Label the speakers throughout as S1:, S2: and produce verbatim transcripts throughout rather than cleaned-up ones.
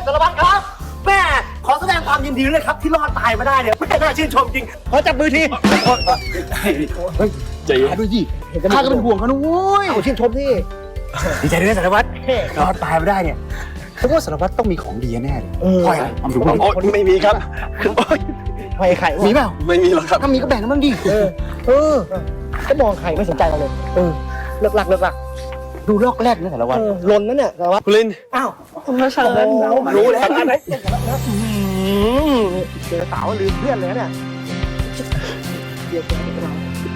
S1: สารวัตรครับแม่ขอแสดงความยินดีเลยครับที่รอดตายมาได้เนี่ยแม่น่าชื่นชมจริงขอจับมือทีใจเย็นด้วยดิข้าก็เป็นห่วงเขานะโว้ยเอาชื่นชมที่ดีใจด้วยสารวัตรรอดตายมาได้เนี่ยฉันว่าสารวัตรต้องมีของดีแน่เลยคอยอะไรเอาดูโอ้ไม่มีครับคอยไข่มีเปล่าไม่มีหรอกครับถ้ามีก็แบ่งกันบ้างดิเออเออก็มองใครไม่สนใจเราเลยเออเลิกลักเลิกลักดูลอกแรกนะสารวัตรลนนั่นเนี่ยสารวัตรคุณลินอ้าวคุณมาเชิญรู้แล้วอะไรเจอสาวลืมเพื่อนเลยเนี่ยเดี๋ยวจะไปเรา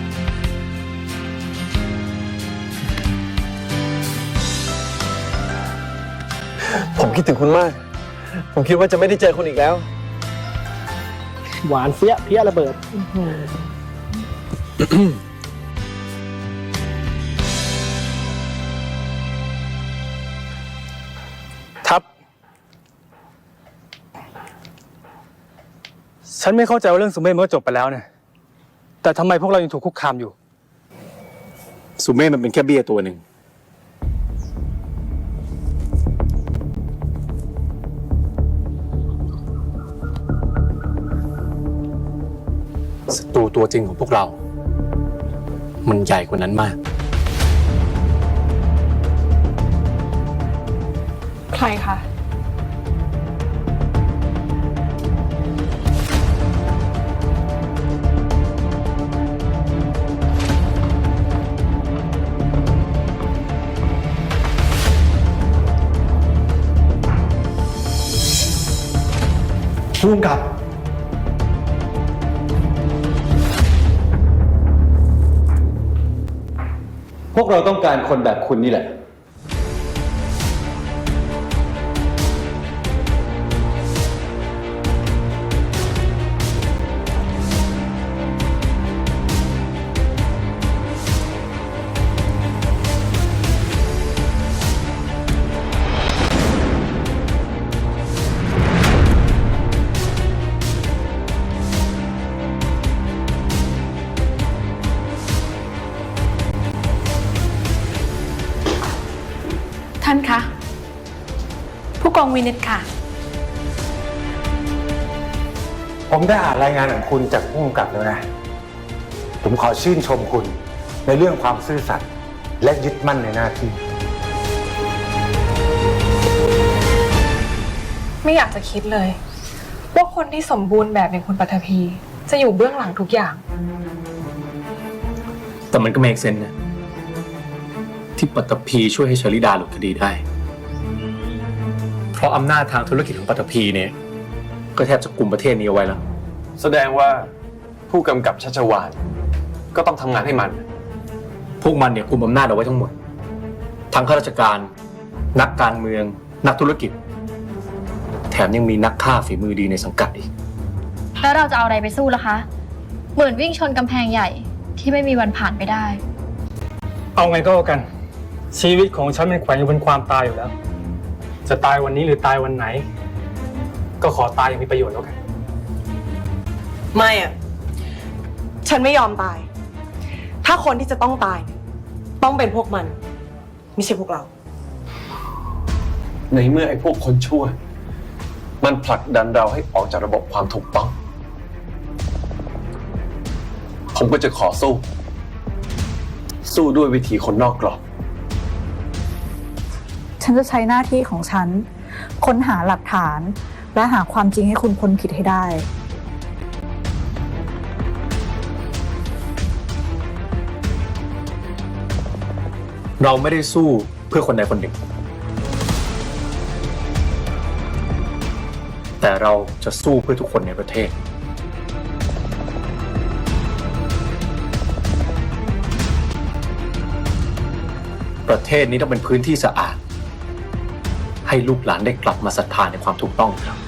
S2: ผมคิดถึงคุณมากผมคิดว่าจะไม่ได้เจอคุณอีกแล้ว
S1: หวานเสี้ยเพี้ยระเบิด
S3: ทับฉันไม่เข้าใจว่าเรื่องสุเมธมันก็จบไปแล้วเนี่ยแต่ทำไมพวกเรายังถูกคุกคามอยู่
S4: สุเมธมันเป็นแค่เบี้ยตัวหนึ่งศัตรูตัวจริงของพวกเรามันใหญ่กว่านั้นมาก
S5: ใครคะ
S2: พุ่งกับ
S6: พวกเราต้องการคนแบบคุณนี่แหละ
S5: ท่านคะผู้กองวินิตค่ะ
S4: ผมได้อ่านรายงานของคุณจากผู้กำกับแล้วนะผมขอชื่นชมคุณในเรื่องความซื่อสัตย์และยึดมั่นในหน้าที่
S5: ไม่อยากจะคิดเลยว่าคนที่สมบูรณ์แบบอย่างคุณปัทภีจะอยู่เบื้องหลังทุกอย่าง
S7: แต่มันก็ make sense นะที่ปัตตภีช่วยให้ชลิดาหลุดคดีได้เพราะอำนาจทางธุรกิจของปัตตภีเนี่ยก็แทบจะกุมประเทศนี้เอาไว้แล้ว
S2: แสดงว่าผู้กำกับชัชวาลก็ต้องทำงานให้มัน
S7: พวกมันเนี่ยกุมอำนาจเอาไว้ทั้งหมดทั้งข้าราชการนักการเมืองนักธุรกิจแถมยังมีนักฆ่าฝีมือดีในสังกัดอีก
S8: แล้วเราจะเอาอะไรไปสู้ล่ะคะเหมือนวิ่งชนกำแพงใหญ่ที่ไม่มีวันผ่านไปได้
S3: เอาไงก็แล้วกันชีวิตของฉันมันแขวนอยู่บนความตายอยู่แล้วจะตายวันนี้หรือตายวันไหนก็ขอตายอย่างมีประโยชน์แล้วกัน
S5: ไม่อะฉันไม่ยอมตายถ้าคนที่จะต้องตายต้องเป็นพวกมันไม่ใช่พวกเรา
S2: ในเมื่อไอ้พวกคนชั่วมันผลักดันเราให้ออกจากระบบความถูกต้องผมก็จะขอสู้สู้ด้วยวิธีคนนอกกรอบ
S9: ฉันจะใช้หน้าที่ของฉันค้นหาหลักฐานและหาความจริงให้คุณพ้นผิดให้ได้
S7: เราไม่ได้สู้เพื่อคนใดคนหนึ่งแต่เราจะสู้เพื่อทุกคนในประเทศประเทศนี้ต้องเป็นพื้นที่สะอาดให้ลูกหลานได้กลับมาศรัทธาในความถูกต้องครับ